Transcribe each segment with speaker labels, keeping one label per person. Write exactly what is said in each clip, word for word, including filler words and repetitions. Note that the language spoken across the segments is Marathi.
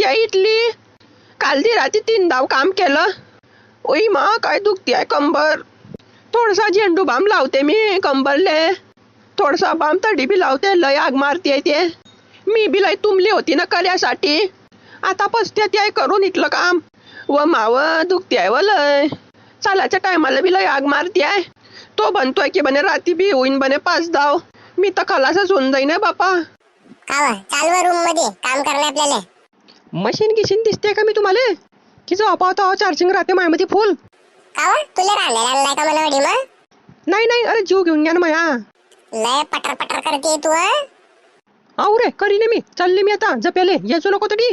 Speaker 1: दुखते इथली. काल ती रात्री तीन धाव काम केलं. ओई मा काय दुखते आहे कंबर. थोडसा झेंडू बाम लावते मी कंबरले. थोडसा बाम तडी बी लावते. लय आग मारते ते. मी बी लय तुंबली होती ना कर्यासाठी. आता पसते ते करून इथलं काम. व माव दुखते आहे व लय. चालाच्या टायमाला बी लय आग मारते आहे. तो बनतोय की बने राती बी होईन बने पाच धाव. मी तर खलासच होऊन जाईन बापा.
Speaker 2: कावा चालवा रूम मध्ये काम करणे आपल्याला.
Speaker 1: मशीन गिशीन दिसते का मी तुम्हाला की जो पाहतो चार्जिंग राहते मायामध्ये फुल.
Speaker 2: कावा तुला रांधायला आणलाय का मला वडी मग?
Speaker 1: नाही नाही अरे जीव घेऊन घ्या ना माया.
Speaker 2: लय पटर पटर करते तू.
Speaker 1: आऊ रे करीने मी चालले मी आता जपेले यायचो नको तरी.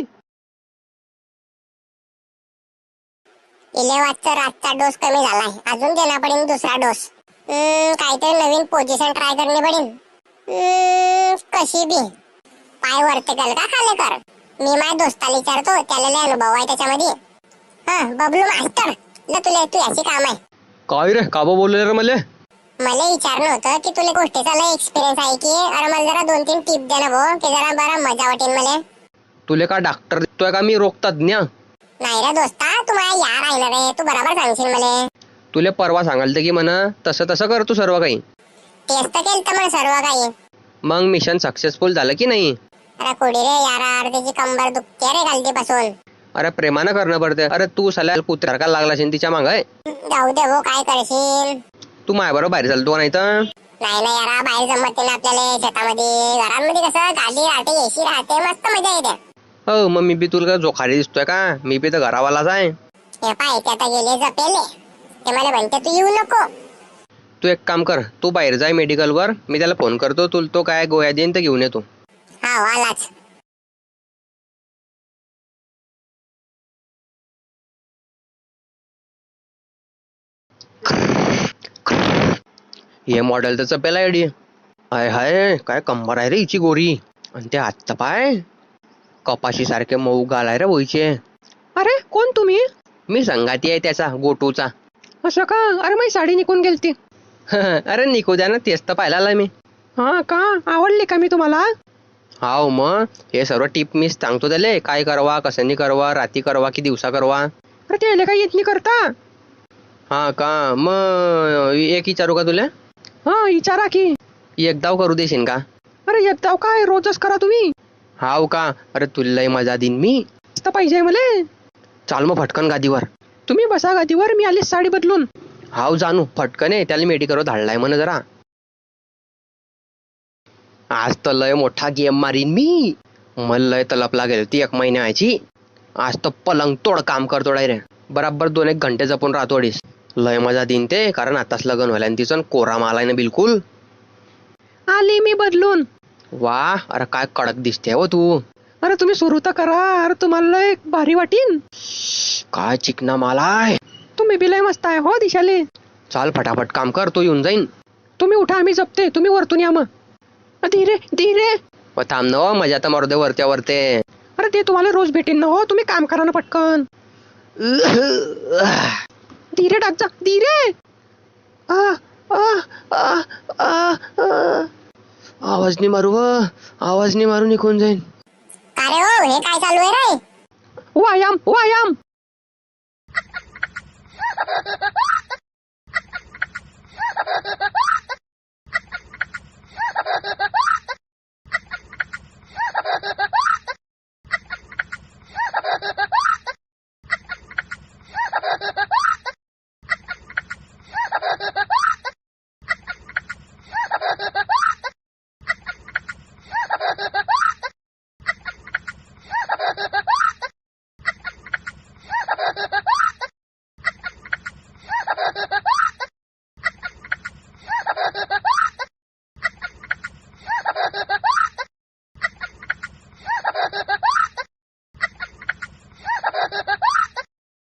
Speaker 2: इले वाजचा रातचा डोस कमी झालाय. अजून देना पडेल दुसरा डोस. काहीतरी नवीन पोझिशन ट्राय करणे पडेल. कशी बी पाय वरते कर का खाली कर. मी माझ्या दोस्ताला विचारतो त्याला लय अनुभव आहे त्याच्यामध्ये. हा बबलू मास्तर ल तुला तू याची काम आहे.
Speaker 1: काय रे काबा बोलले रे मला.
Speaker 2: मला विचारलं होतं की तुला गोष्टीचा लय एक्सपिरियन्स आहे की. अरे मला जरा दोन तीन टिप दे ना भाऊ की जरा बरा मजा वाटेल मला.
Speaker 1: तुले का डॉक्टर दिसतोय का मी रोग तज्ञ.
Speaker 2: नाही रे दोस्ता तू माझ्या यार आहे ना रे. तू बरोबर सांगशील मला.
Speaker 1: तुले परवा सांगाल की म्हणा तसं तसं कर तू सर्व काही.
Speaker 2: तेच तर केलं तर मग सर्व काही.
Speaker 1: मग मिशन सक्सेसफुल झालं की नाही.
Speaker 2: अरे कोडी रे यार त्याची कंबर दुखते रे गलतीपासून.
Speaker 1: अरे प्रेमानं करणं पडते. अरे तू सल्या कुत्र्यासारखा लागला असेल तिच्या माग.
Speaker 2: जाऊ दे भाऊ काय करशील.
Speaker 1: तू माझ्या बरोबर बाहेर चालतो नाही तर.
Speaker 2: नाही नाही यार बाहेर जमत नाही आपल्याला. शेतामध्ये घरांमध्ये कसं गाडी राहते एसी राहते मस्त मजा येते.
Speaker 1: हो मग मी बी तुला जोखारी दिसतोय का. मी बी तर घरावालाच आहे.
Speaker 2: हे पाय ते आता गेले जपेले. ते मला म्हणते तू येऊ नको.
Speaker 1: तू एक काम कर तू बाहेर जाय मेडिकल वर. मी त्याला फोन करतो तू तो काय गोळ्या देईन तर घेऊन येतो.
Speaker 2: हा आलाच.
Speaker 1: हे मॉडेल तर चपेला आयडी. हाय हाय काय कंबर आहे रे हिची गोरी. आणि ते हात पाय कपाशी सारखे मऊ गालाय रे बोईचे. अरे कोण तुम्ही. मी संगाती आहे त्याचा गोटूचा. असं का. अरे माझी साडी निघून गेलती. अरे निघू द्या ना तेच तर पाहिला मी. हा का आवडली का मी तुम्हाला. हाव मग हे सर्व टिप मी सांगतो त्याले काय करवा कसं करवा राती करवा की दिवसा करवा. अरे त्याला काही येत नाही करता. हा का मग एक विचारू का तुला. हा विचारा की. एकदाव करू देशील का. अरे एकदाव काय रोजच करा तुम्ही. हाव का. अरे तुला मजा देईन मी. पाहिजे मला. चाल मग फटकन गादीवर. तुम्ही बसा गादीवर मी आलीच साडी बदलून. हाव जानू फटकन आहे त्याला मेडिकल धाडलाय म्हण जरा. आज तर लय मोठा गेम मारीन मी. मला लय तलप लागेल ती एक महिन्याची. आज तर पलंग तोड काम करतो रे. बराबर दोन एक घंटे जपून राहतो अडीच. लय मजा देईन ते कारण आताच लग्न व्हायला तिचं कोरा मालाय ना बिलकुल. आली मी बदलून. वा अरे काय कडक दिसते हो तू. अरे तुम्ही सुरू तर करा. अरे तुम्हाला लय भारी वाटीन. काय चिकना मालाय. तुम्ही बी लय मस्त आहे हो दिशाले. चाल फटाफट काम कर तो येऊन जाईन. तुम्ही उठा आम्ही जपते तुम्ही वरतून या मग. धीरे धीरे थांब न हो मजा तर मारू दे वरत्या वरते. अरे ते तुम्हाला रोज भेटेन ना हो. तुम्ही काम करा ना पटकन. धीरे टाक जा धीरे. आवाज नाही मारू व आवाज नाही मारू निघून जाईन.
Speaker 2: अरे हो हे काय चालू आहे रे.
Speaker 1: व्यायाम व्यायाम.